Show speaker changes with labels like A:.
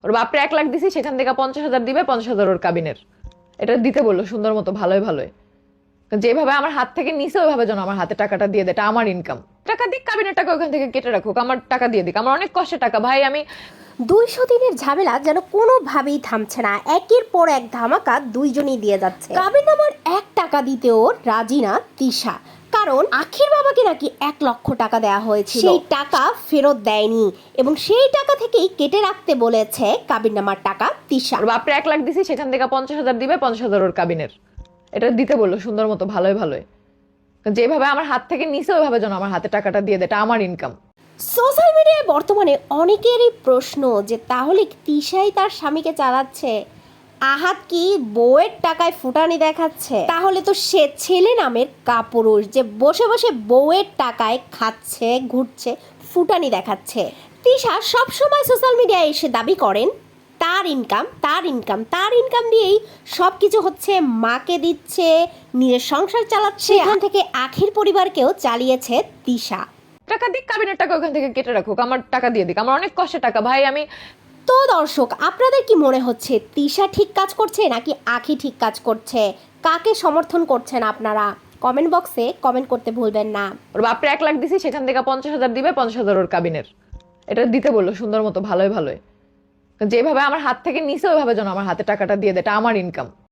A: ওর বাপরে 1 লাখ দিছি, সেখান থেকে 50,000 দিবে, 50,000 ওর কাবিনের। এটা দিতে বললো সুন্দর মতো, ভালোই ভালোই। যেভাবে আমার হাত থেকে নিছে ওইভাবে যেন আমার হাতে টাকাটা দিয়ে দেয়, এটা আমার ইনকাম। টাকা দিক, কাবিনের টাকা ওখান থেকে কেটে রাখুক, আমার টাকা দিয়ে দিক, আমার অনেক কষ্টের টাকা ভাই। আমি
B: 200 দিনের ঝামেলা যেন কোনোভাবেই থামছে না, একের পর এক ধামাকা দুইজনই দিয়ে যাচ্ছে। কাবিননামার 1 টাকা দিতেও রাজি না তিশা, কারণ আখির বাবাকে নাকি 1 লক্ষ টাকা দেওয়া হয়েছিল, সেই টাকা ফেরত দেয়নি এবং সেই টাকা থেকেই কেটে রাখতে বলেছে কাবিননামার টাকা তিশা।
A: ওর বাপরে 1 লাখ দিছি, সেখান থেকে 50,000 দিবে, 50,000 ওর কাবিনের। এটা দিতে বললো সুন্দর মতো, ভালোই ভালোই। যেভাবে আমার হাত থেকে নিছে ওইভাবে যেন আমার হাতে টাকাটা দিয়ে দেয়, এটা আমার ইনকাম।
B: সোশ্যাল মিডিয়ায় বর্তমানে অনেকেরই প্রশ্ন যে তাহলে তিশাই তার স্বামীকে চালাচ্ছে, আহাত কি বউয়ের টাকায় ফুটানি দেখাচ্ছে? তাহলে তো সে ছেলে নামের কাপুরুষ যে বসে বসে বউয়ের টাকায় খাচ্ছে, ঘুরছে, ফুটানি দেখাচ্ছে। তিশা সবসময় সোশ্যাল মিডিয়ায় এসে দাবি করেন তার ইনকাম, তার ইনকাম, তার ইনকাম দিয়েই সব কিছু হচ্ছে, মাকে দিচ্ছে, নিজের সংসার চালাচ্ছে, এখান থেকে আখির পরিবারকেও চালিয়েছে তিশা।
A: টাকা দিক, কাবিনের টাকা ওখান থেকে কেটে রাখুক, আমার টাকা দিয়ে দিক, আমার অনেক কষ্টের টাকা ভাই। আমি
B: তো দর্শক, আপনাদের কি মনে হচ্ছে তিশা ঠিক কাজ করছে নাকি আখি ঠিক কাজ করছে? কাকে সমর্থন করছেন আপনারা? কমেন্ট বক্সে কমেন্ট করতে ভুলবেন না।
A: ওর বাপরে 1 লাখ দিছি, সেখান থেকে 50,000 দিবে, 50,000 ওর কাবিনের। এটা দিতে বললো সুন্দর মতো, ভালোই ভালোই। যেভাবে আমার হাত থেকে নিছে ওইভাবে যেন আমার হাতে টাকাটা দিয়ে দেয়, এটা আমার ইনকাম।